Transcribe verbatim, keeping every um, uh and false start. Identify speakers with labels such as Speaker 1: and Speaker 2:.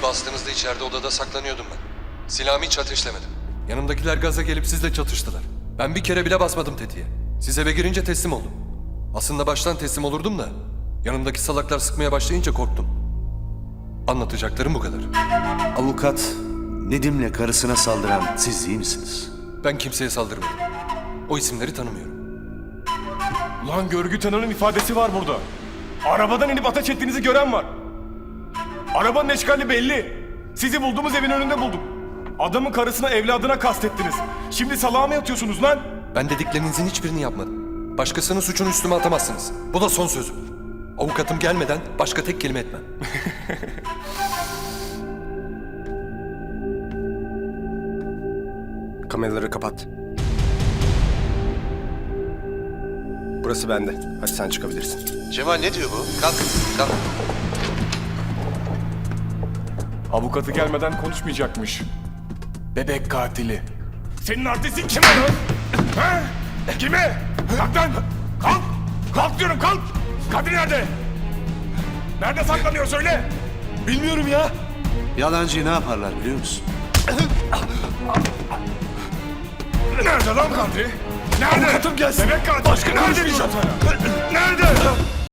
Speaker 1: bastığınızda içeride odada saklanıyordum ben. Silahımı hiç ateşlemedim. Yanımdakiler gaza gelip sizle çatıştılar. Ben bir kere bile basmadım tetiğe. Siz eve girince teslim oldum. Aslında baştan teslim olurdum da yanımdaki salaklar sıkmaya başlayınca korktum. Anlatacaklarım bu kadar.
Speaker 2: Avukat Nedim'le karısına saldıran siz değil misiniz?
Speaker 1: Ben kimseye saldırmadım. O isimleri tanımıyorum.
Speaker 3: Ulan görgü tanığının ifadesi var burada. Arabadan inip ateş ettiğinizi gören var. Arabanın eşkali belli. Sizi bulduğumuz evin önünde bulduk. Adamın karısına, evladına kastettiniz. Şimdi salağa mı yatıyorsunuz lan?
Speaker 1: Ben dediklerinizin hiçbirini yapmadım. Başkasının suçunu üstüme atamazsınız. Bu da son sözüm. Avukatım gelmeden başka tek kelime etmem.
Speaker 3: Kameraları kapat. Burası bende. Hadi sen çıkabilirsin.
Speaker 4: Cemal ne diyor bu? Kalk, kalk.
Speaker 3: Avukatı gelmeden konuşmayacakmış. Bebek katili. Senin artistin kime lan? Ha? Kime? Kalk lan! Kalk! Kalk diyorum kalk! Kadir nerede? Nerede saklanıyor söyle! Bilmiyorum ya.
Speaker 2: Yalancıyı ne yaparlar biliyor musun?
Speaker 3: Nerede lan Kadri? Nerede? Avukatım gelsin. Bebek katili. Başka nerede? Nerede? Nerede?